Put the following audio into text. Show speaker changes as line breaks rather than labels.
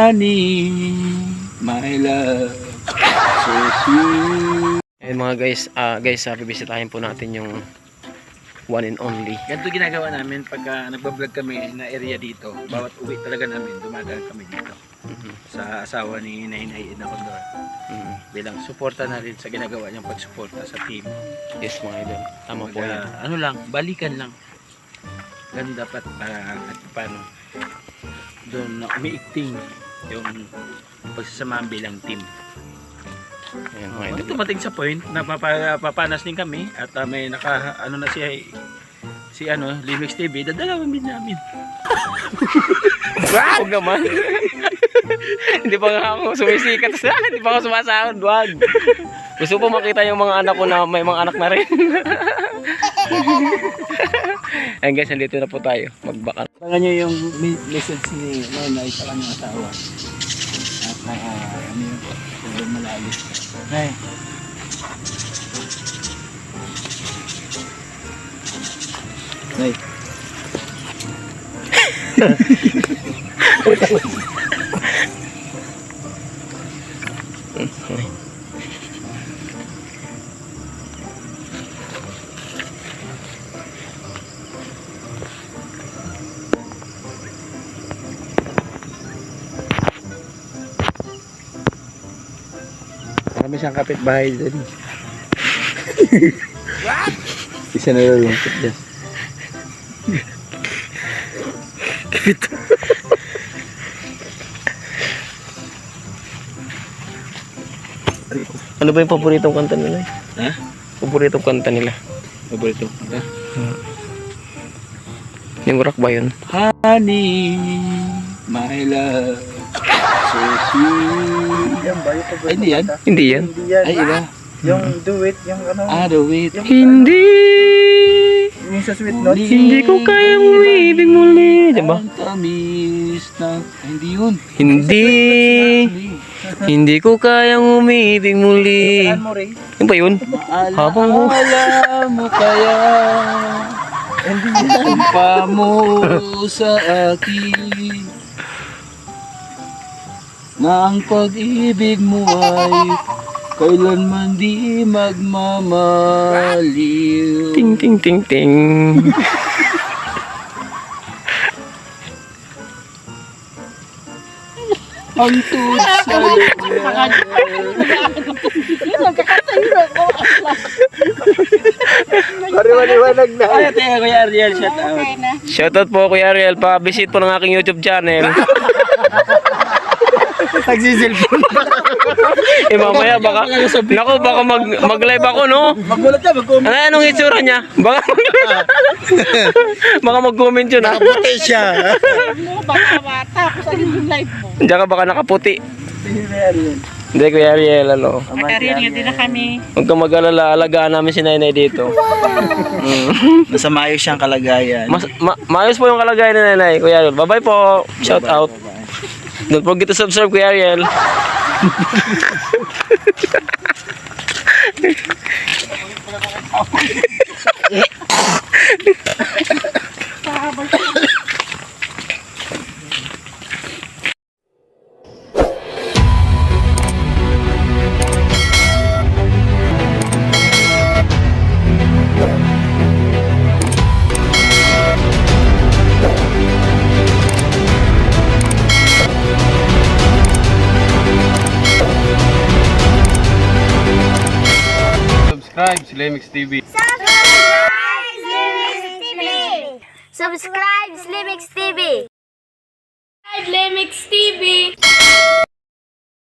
Honey, my love, so sweet.
Ayun mga guys, bibisitahin po natin yung one and only.
Ganito ginagawa namin pagka nagbablog kami na area dito. Bawat uwi talaga namin, dumadaan kami dito. Sa asawa ni Nainay Edna Condor. Bilang suporta na rin sa ginagawa niyang pagsuporta sa team.
Yes mga idol, tama po yan.
Ano lang, balikan lang. Ganun dapat at paano doon na umiikting yung pagsasamahan bilang team.
Ayan mga idol.
Tumating sa point na papanas din kami at may ano na si Limix TV, dadalawin din namin.
Huwag naman. Hindi pa nga ako sumisikat sa, hindi pa ako sumasahod, wag. Gusto po makita yung mga anak ko na may mga anak na rin. Ayan guys, nandito na po tayo. Magbaka.
Tingnan nyo yung message ni Nenay sa kanyang asawa. At ano yun po, sobrang malalim. Nay. Nay. Marami siyang kapitbahay dyan. Isa na lulungkot dyan.
Ano ba yung paboritong kanta nila?
Ha?
Paboritong kanta nila.
Paborito. Ha?
Yung rock ba yun?
Honey, my love, so sweet.
Yan ba? Yung paborito
Ay, hindi yan?
kanta?
Hindi yan.
Hindi yan.
Ay, iba.
Yung do it, yung ano.
Do it.
Hindi.
Yung sa sweet note.
Hindi ko kayang umibig muli. Diba?
Ang tamis na... Ay, hindi yun.
Hindi. Hindi ko kayang umibig muli.
Saan mo, Ray?
Yung ba yun? Habang mo.
Maalaala mo kaya
Hindi yan.
ang pa mo sa akin na ang pag-ibig mo ay kailanman di magmamaliw.
Ting ting ting ting.
Ang tuod sa
Pariwaliwanag na.
Ay, teka Kuya Ariel, shout out.
Shoutout po Kuya Ariel, pa-visit po ng aking YouTube channel.
Nagsisilpon pa.
Mamaya baka, naku baka mag-live ako no?
Magulat ka, mag-comment.
Anong itsura niya? Baka baka mag-comment yun ha?
Nakaputi siya.
Baka bata, tapos ano yung live mo?
Diyan ka baka nakaputi. Hindi Kuya Ariel, ano?
Nakarin nga din na kami.
Huwag kang mag-alala, alagaan namin si Nainay dito.
Nasa maayos siyang kalagayan.
Maayos po yung kalagayan ni Nainay, Kuya Ariel. Bye-bye po. Shout out. Don't forget to subscribe, Kuya Ariel.
Subscribe sa Limix TV.
Subscribe Slimix TV! Subscribe Slimix TV!